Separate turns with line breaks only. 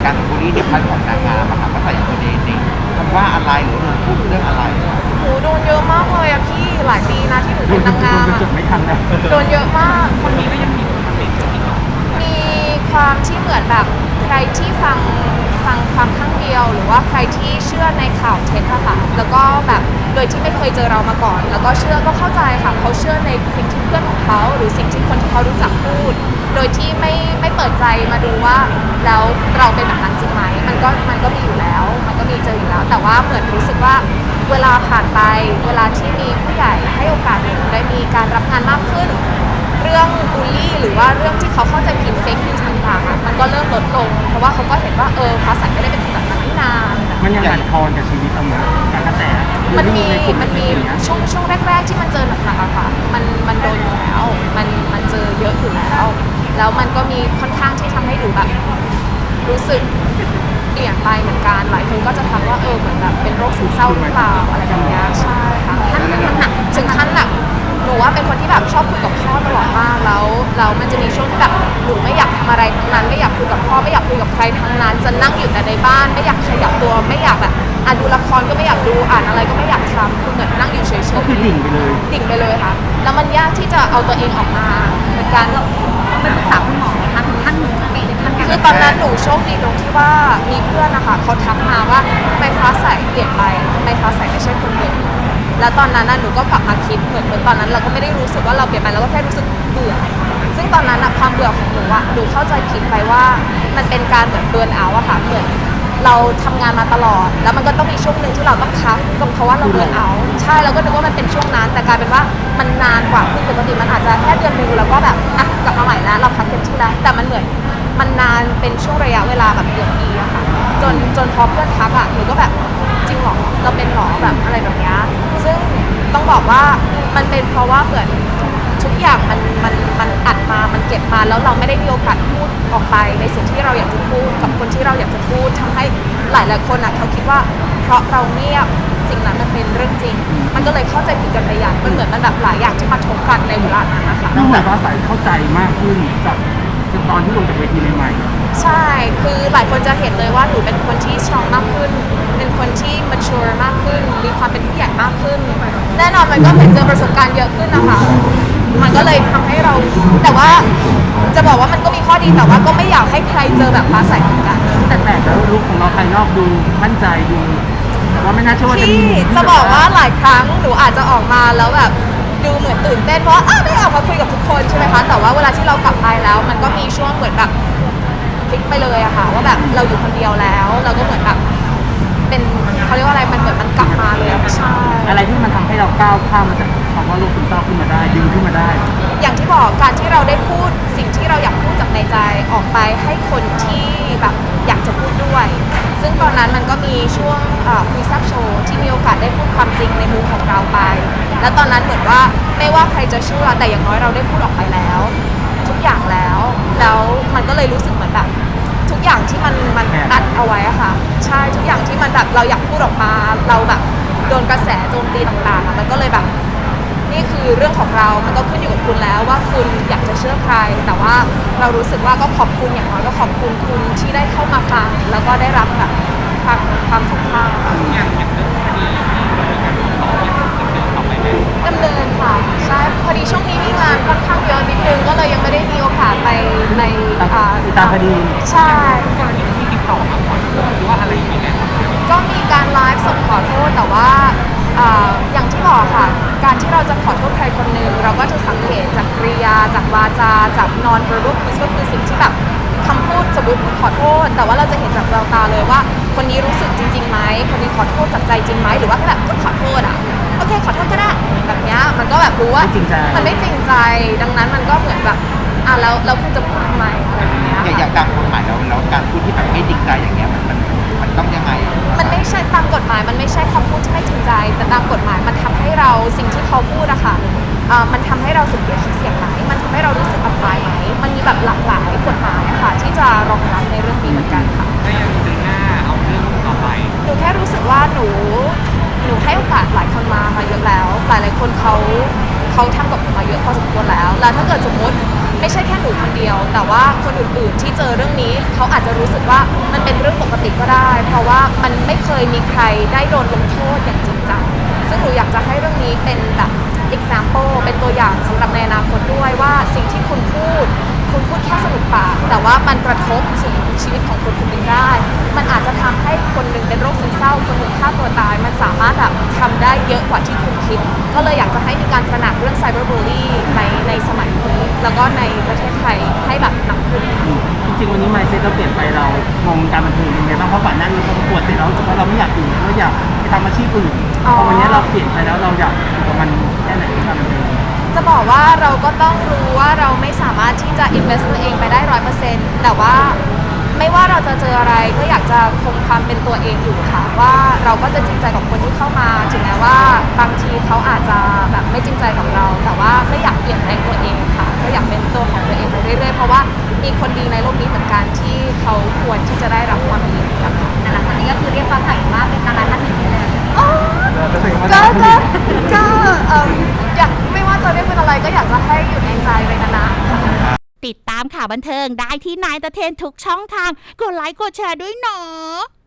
การบูลลี่ในพันของนางงามอะค่ะว่าใส่ตัวเองนี่คำว่าอะไรหรือพูดเรื่องอะไร
หนูโดนเยอะมากเลยอะพี่หลายปีนะที่หนูเป็นนางงามอะ
จดไม่ทันนะ
โดนเยอะมากคนนี้ก็ยังมีความที่เหมือนแบบใครที่ฟังความข้างเดียวหรือว่าใครที่เชื่อในข่าวเท็จอะค่ะแล้วก็แบบโดยที่ไม่เคยเจอเรามาก่อน แล้วก็เชื่อก็เข้าใจค่ะเขาเชื่อในสิ่งที่เพื่อนของเขาหรือสิ่งที่คนที่เขารู้จักพูด โดยที่ไม่เปิดใจมาดูว่าแล้วเราเป็นแบบนั้นจริงไหมมันก็มีอยู่แล้วมันก็มีเจออยู่แล้ว แต่ว่าเหมือนรู้สึกว่าเวลาผ่านไปเวลาที่มีผู้ใหญ่ให้โอกาสหนูได้มีการรับงานมากขึ้นเรื่องบูลลี่หรือว่าเรื่องที่เขาเข้าใจผิดเฟกนิวส์ต่างๆมันก็เริ่มลดลงเพราะว่าเขาก็เห็นว่าฟ้าใสไม่ได้เป็นคนแบบนั้นนี่นา
มันยังบั่นทอนกับชีวิตเรานะการกระแส
มันมีช่วงแรกๆที่มันเจอหนักๆอะค่ะมันโดนอยู่แล้วมันเจอเยอะอยู่แล้วแล้วมันก็มีค่อนข้างที่ทำให้ดูแบบรู้สึกเปลี่ยนไปเหมือนกันหลายคนก็จะทักว่าเหมือนแบบเป็นโรคซึมเศร้าหรือเปล่าอะไรแบบนี้ใช่ค่ะถึงขั้นหนักหนูว่าเป็นคนที่แบบชอบคุยกับพ่อตลอดมากแล้วมันจะมีช่วงที่แบบหนูไม่อยากทำอะไรทั้งนั้นไม่อยากคุยกับพ่อไม่อยากคุยกับใครทั้งนั้นจะนั่งอยู่แต่ในบ้านไม่อยากขยับตัวไม่อยากแบบดูละครก็ไม่อยากดูอ่านอะไรก็ไม่อยากทำคือเหมือนนั่งอยู่เฉยๆ
ก็คือดิ่งไปเลย
ค่ะแล้วมันยากที่จะเอาตัวเองออกมาเหมือนกัน
เป็นปรึกษาคุณหมอไหมคะถึงขั้นหนูเป็นขั้นการ
คือตอนนั้นหนูโชคดีตรงที่ว่ามีเพื่อนนะคะเขาทักมาว่าทำไมฟ้าใสเปลี่ยนไปทำไมฟ้าใสไม่ใช่คนเดิมแล้วตอนนั้นหนูก็กลับมาคิดเหมือนตอนนั้นเราก็ไม่ได้รู้สึกว่าเราเปลี่ยนไปเราก็แค่รู้สึกเบื่อซึ่งตอนนั้นความเบื่อของหนูหนูเข้าใจผิดไปว่ามันเป็นการเหมือนเบิร์นเอาท์อะค่ะเหมือนเราทำงานมาตลอดแล้วมันก็ต้องมีช่วงหนึ่งที่เราต้องพักก็เพราะว่าเราเบิร์นเอาท์ใช่เราก็นึกว่ามันเป็นช่วงนั้นแต่กลายเป็นว่ามันนานกว่าคือปกติมันอาจจะแค่เดือนนึงแล้วก็แบบกลับมาใหม่แล้วเราพักเต็มที่แล้วแต่มันเหมือนมันนานเป็นช่วงระยะเวลาแบบเกือบปีอะค่ะจนพอเพื่อนทักหนูก็แบบจริงหรอเราเป็นหรอแบบอะไรแบบนี้ซึ่งต้องบอกว่ามันเป็นเพราะว่าเหมือนทุกอย่างมันอัดมามันเก็บมาแล้วเราไม่ได้มีโอกาสพูดออกไปในสิ่งที่เราอยากจะพูดกับคนที่เราอยากจะพูดทำให้หลายคนเขาคิดว่าเพราะเราเงียบสิ่งนั้นมันเป็นเรื่องจริงมันก็เลยเข้าใจผิดกันไปอย่างมันเหมือนมันแบบหลายอย่างที่มาทบกันในเวลานั้นนะคะ
ต้องแบบว่าใส่เข้าใจมากขึ้นจากตอนที่ลงจากเวทีใหม่
ใช่คือหลายคนจะเห็นเลยว่าหนูเป็นคนที่ strong มากขึ้นเป็นคนที่ mature มากขึ้นมีความเป็นผู้ใหญ่มากขึ้นแน่นอนมันก็เหมือนเจอประสบการณ์เยอะขึ้นนะคะมันก็เลยทำให้เราแต่ว่าจะบอกว่ามันก็มีข้อดีแต่ว่าก็ไม่อยากให้ใครเจอแบบฟ้าใสเหมือนกัน
แต่แล้วลุคของเราภายนอกดูมั่นใจดูแต่ว่าไม่น่าเชื่อว่าจะมี
จะบอกว่าหลายครั้งหนูอาจจะออกมาแล้วแบบดูเหมือนตื่นเต้นเพราะได้ออกมาคุยกับทุกคนใช่ไหมคะแต่ว่าเวลาที่เรากลับไปแล้วมันก็มีช่วงเหมือนแบบพลิกไปเลยอะค่ะว่าแบบเราอยู่คนเดียวแล้วเราก็เหมือนแบบเป็นเขาเรียกว่าอะไรมันเหมือนมันกลับมาเลยใช่
อะไรที่มันทำให้เราก้าวข้ามมาจากคำว่าโรคซึมเศร้าขึ้นมาได้ดึงขึ้นมาได้
อย่างที่บอกการที่เราได้พูดสิ่งที่เราอยากพูดจากในใจออกไปให้คนที่แบบอยากจะพูดด้วยซึ่งตอนนั้นมันก็มีช่วงคุยแซ่บโชว์ที่มีโอกาสได้พูดความจริงในมุมของเราไปแล้วตอนนั้นเหมือนว่าไม่ว่าใครจะเชื่อแต่อย่างน้อยเราได้พูดออกไปแล้วทุกอย่างแล้วมันก็เลยรู้สึกเหมือนแบบทุกอย่างที่มันอัดเอาไว้อะค่ะใช่ทุกอย่างที่มันแบบเราอยากพูดออกมาเราแบบโดนกระแสโจมตีต่างๆมันก็เลยแบบนี่คือเรื่องของเรามันก็ขึ้นอยู่กับคุณแล้วว่าคุณอยากจะเชื่อใครแต่ว่าเรารู้สึกว่าก็ขอบคุณอย่างน้อยก็ขอบคุณคุณที่ได้เข้ามาฟังแล้วก็ได้รับแบบความสำคัญดำเนินค่ะใช่พอดีช่วงนี้มีงานค่อนข้างเยอะนิดนึงก็เลยยังไม่ได้มีโอกาสไปใน
ตามคดี
ใช่
ที่ติดต่อมาก่อนหรือว่าอะไรอย่างเงี้ย
ก็มีการไลฟ์สดขอโทษแต่ว่าอย่างที่บอกค่ะการที่เราจะขอโทษใครคนหนึ่งเราก็จะสังเกตจากกริยาจากวาจาจาก non verbal cues ก็คือสิ่งที่แบบคำพูดสมมติขอโทษแต่ว่าเราจะเห็นจากแววตาเลยว่าคนนี้รู้สึกจริงๆไหมคนนี้ขอโทษจากใจจริงไหมหรือว่าแค่แบบก็ขอโทษโอเคขอโทษก็ได้แบบนี้มันก็แบบรู้ว่ามันไม่จริงใจดังนั้นมันก็เหมือนแบบแล้วคุณจะพูดทำไมอะไรแบบนี้
อย่างตามกฎหมายแล้วการพูดที่แบบไม่จริงใจอย่างเงี้ยมันต้องยังไง
มันไม่ใช่ตามกฎหมายมันไม่ใช่คำพูดที่ไม่จริงใจแต่ตามกฎหมายมันทำให้เราสิ่งที่เขาพูดอะค่ะมันทำให้เราเสียไหมมันทำให้เรารู้สึกอับอายไหมมันมีแบบหลากหลายกฎหมายอะค่ะที่จะรองรับในเรื่องนี้เหมือนกันค่ะ
ก็ยังเดินหน้าเอาเรื่องต่อไป
หนูแค่รู้สึกว่าหนูให้โอกาสหลายคนมาเยอะแล้วหลายคนเขาทำกับหนูมาเยอะพอสมควรแล้วถ้าเกิดสมมติไม่ใช่แค่หนูคนเดียวแต่ว่าคนอื่นๆที่เจอเรื่องนี้เขาอาจจะรู้สึกว่ามันเป็นเรื่องปกติก็ได้ เพราะว่ามันไม่เคยมีใครได้โดนลงโทษอย่างจริงจังซึ่งหนูอยากจะให้เรื่องนี้เป็นแบบ example เป็นตัวอย่างสำหรับในอนาคตด้วยว่าสิ่งที่คุณพูดแค่สนุกปากแต่ว่ามันกระทบถึงชีวิตของคนคนหนึ่งได้ มันอาจจะทำให้คนหนึ่งเป็นโรคซึมเศร้าคนหนึ่งฆ่าตัวตายมันสามารถแบบทำได้เยอะกว่าที่คุณคิด ก็เลยอยากจะให้มีการตระหนักเรื่องไซเบอร์บูลลี่ในสมัยนี้แล้วก็ในประเทศไทยให้แบบหนักขึ้น
จริงๆวันนี้ mindset เราเปลี่ยนไปเรามองการบันเทิงยังไงบ้างเพราะก่อนหน้านี้เราประกวดเสร็จแล้วเพราะเราไม่อยากอยู่เราอยากไปทำอาชีพอื่นพอวันนี้เราเปลี่ยนไปแล้วเราอยากอยู่กับมันแค่ไหนในการบันเทิง
จะบอกว่าเราก็ต้องรู้ว่าเราไม่สามารถที่จะ invest ตัวเองไปได้ 100%แต่ว่าไม่ว่าเราจะเจออะไรก็อยากจะคงความเป็นตัวเองอยู่ค่ะว่าเราก็จะจริงใจกับคนที่เข้ามาถึงแม้ว่าบางทีเขาอาจจะแบบไม่จริงใจกับเรา แต่ว่าไม่อยากเปลี่ยนแปลงตัวเองค่ะก็อยากเป็นตัวของตัวเองไปเรื่อยๆเพราะว่ามีคนดีในโลกนี้เหมือนกันที่เขาควรที่จะได้รับความดีจากเรา
แต่หลังจากนี้ก็คือเรียกฟ้าใสว่าเป็นดาราท่านหนึ่งเลย
ก็อยากไม่ว่าจะเรียกเป็นอะไรก็อยากจะให้อยู่ในใจไปนานๆค่ะ
ติดตามข่าวบันเทิงได้ที่นายตะเทนทุกช่องทาง กดไลค์กดแชร์ด้วยเนาะ